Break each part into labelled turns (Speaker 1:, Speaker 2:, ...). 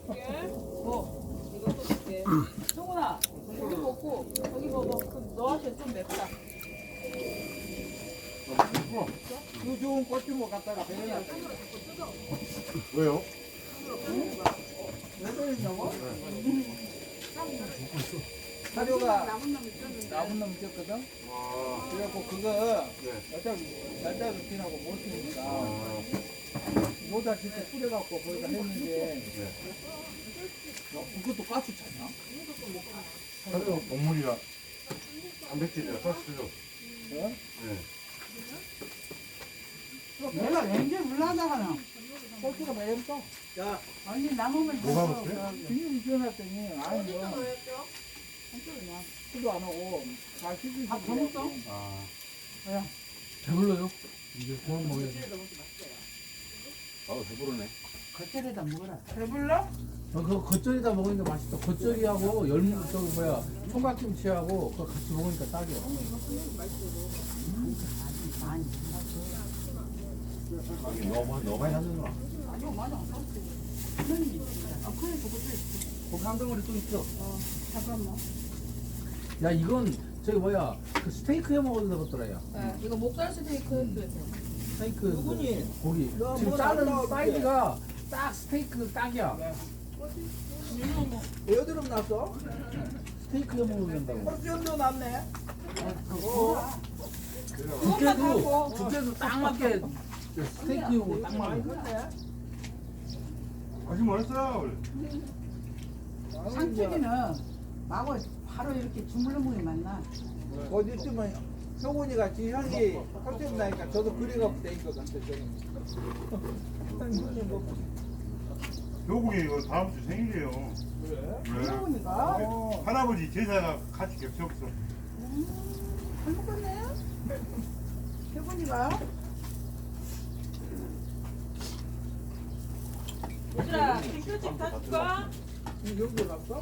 Speaker 1: 이것도 줄게. 성훈아, 여기 먹고 저기 먹어. 그럼 너한테 좀 맵다.
Speaker 2: 그 좋은 꽃주먹 갖다가 데려놨어.
Speaker 3: 왜요?
Speaker 2: 왜 그러냐고? 사료가 나쁜 놈 있었거든? 그래갖고 그거 어차피 날짜도 지나고 못 쓰니까 모자 진짜 뿌려갖고 거기다 했는데 그것도 가스 찼나?
Speaker 3: 사료 동물이라 단백질이라 쌀수죠.
Speaker 2: 어?
Speaker 3: 네.
Speaker 4: 내가 왠지 물나다가나
Speaker 2: 꼴찌가 매운다. 야,
Speaker 4: 아니 남으면
Speaker 3: 뭐가 먹어요?
Speaker 2: 비닐이 지어놨더니 아니 뭐 술도 안 오고 다 씻으시고
Speaker 4: 다 먹었어?
Speaker 3: 아,
Speaker 5: 배불러요? 이제 그만 먹어야지.
Speaker 3: 배부르네.
Speaker 4: 겉절에다 먹어라.
Speaker 2: 배불러?
Speaker 5: 그거 겉절이다 먹으니까 맛있어. 겉절이하고 열무 저기 뭐야 총각김치하고 그거 같이 먹으니까 딱이야.
Speaker 4: 많이
Speaker 3: 너무 많이 샀는구나.
Speaker 4: 아니요 맞아.
Speaker 5: 거기 한 덩어리 또 있어.
Speaker 4: 잠깐만.
Speaker 5: 야 이건 저기 뭐야 그 스테이크 해 먹어도 되겠더라 야.
Speaker 1: 네, 이거 목살 스테이크 했어요.
Speaker 5: 스테이크
Speaker 2: 누구니?
Speaker 5: 고기.
Speaker 2: 너
Speaker 5: 지금
Speaker 2: 뭐
Speaker 5: 자른
Speaker 2: 나온다,
Speaker 5: 사이즈가 딱 스테이크 딱이야.
Speaker 2: 여드름 났어?
Speaker 5: 스테이크 해 먹으면 된다고.
Speaker 2: por션도 났네.
Speaker 5: 두께도 딱 맞게 스테이크용으로 딱 맞게.
Speaker 3: 아직 멀었어요.
Speaker 4: 상추기는 마고 바로 이렇게 주물러 먹이 맞나?
Speaker 2: 어디 있으면 효군이가 지 형이 por션 나니까 저도 그래갖고 돼 있거든. 저는.
Speaker 3: 교국이 이거 다음 주 생일이에요.
Speaker 2: 그래?
Speaker 3: 네.
Speaker 4: 효군이가
Speaker 2: 어.
Speaker 3: 할아버지 제사가 같이 겹쳤어.
Speaker 4: 잘 먹었네. 효군이가
Speaker 1: 얘들아, 김치찜 다 줄까?
Speaker 2: 여기 갔어?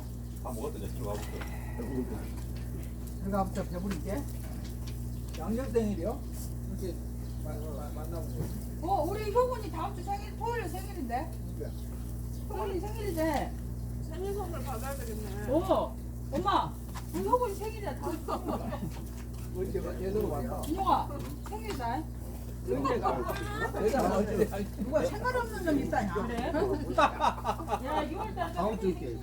Speaker 4: 들어가 보자 배부르게.
Speaker 2: 양념생일이요? 이렇게 만나고.
Speaker 1: 우리 효군이 다음 주 생일, 토요일 생일인데? 효군이 생일이래.
Speaker 6: 생일 선물 받아야 되겠네.
Speaker 1: 엄마, 우리 효군이 생일이야. 다음 주 생일이야.
Speaker 2: 언제 얘들 왔나?
Speaker 1: 준영아, 생일이다.
Speaker 2: 언제가? 내가 언제?
Speaker 4: 누가 상관없는 놈 있다냐?
Speaker 1: 그래? 야, 6월달 다음 주 있게.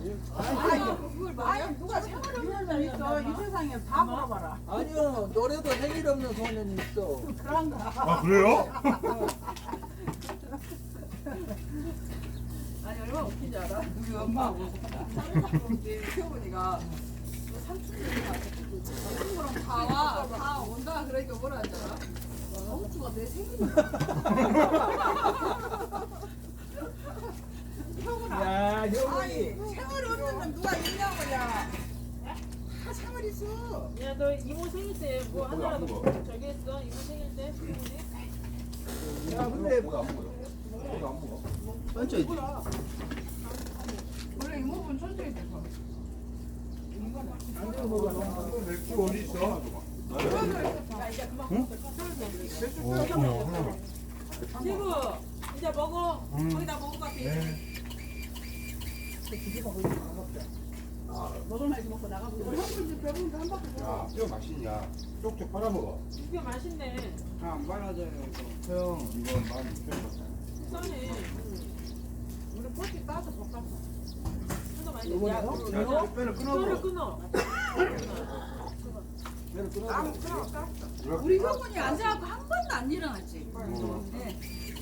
Speaker 4: 아니 누가 상관없는 놈 있어. 이 세상에 다 물어봐라.
Speaker 2: 아니요, 노래도 생일 없는 소년이 있어.
Speaker 4: 그런 거.
Speaker 3: 아 그래요?
Speaker 6: 아니 얼마나 웃긴지 알아? 우리 엄마하고 효분이가 삼촌이랑 다 온다 그러니까 뭐라 하잖아. 엄추가 내 생일이야.
Speaker 2: 야,
Speaker 4: 아니
Speaker 2: 효군이.
Speaker 4: 생활 없는 놈 누가 있냐고 야. 다 생활 있어.
Speaker 1: 야, 너 이모 생일 때 뭐 하나라도 저기 했어? 이모 생일 때?
Speaker 2: 야, 근데
Speaker 6: 원래 이모분 천천히 돼서.
Speaker 2: 안 되는 거가
Speaker 3: 맥주 어디 있어?
Speaker 1: 지구, 이제 먹어. 거기다 먹을 것 같아.
Speaker 4: 먹을 만큼 먹고 나가보자.
Speaker 3: 야, 뼈 맛있냐? 쪽쪽 빨아먹어.
Speaker 1: 이게 맛있네.
Speaker 2: 안 빨아져요.
Speaker 3: 형, 이거 16,000원.
Speaker 1: 싸네.
Speaker 6: 우리 포티 따서 볶았어.
Speaker 1: 하나 많이 야,
Speaker 2: 이거요?
Speaker 1: 끊어?
Speaker 3: 뼈를
Speaker 1: 뼈를 끊어.
Speaker 2: 내가 끊어줘.
Speaker 6: 우리 효분이 앉아갖고 한 번도 안 일어났지. 네.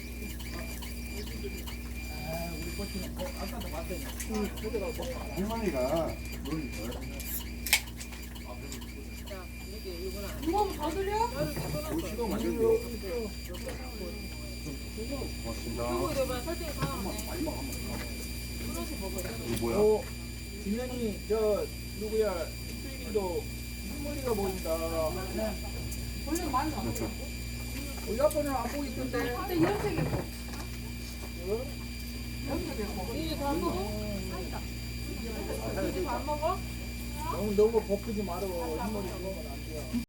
Speaker 2: 우리 꽃이 아까도 봤더니 저기가
Speaker 3: 할머니가 뭘
Speaker 1: 이모부 더 드려?
Speaker 3: 시도 만들고. 고맙습니다.
Speaker 1: 이거 내가 설탕이 사나네. 끊어서 먹어야 돼.
Speaker 3: 이거 뭐야?
Speaker 2: 진현이 저 누구야 수익이도 흰머리가 보인다.
Speaker 1: 원래 많이 나와.
Speaker 2: 우리 아빠는 안 보고 있던데.
Speaker 1: 근데 이런 색이 뭐? 이게 다 먹어? 이게 안 먹어?
Speaker 2: 너무 벗기지 말어. 흰머리 그거는 안 돼요.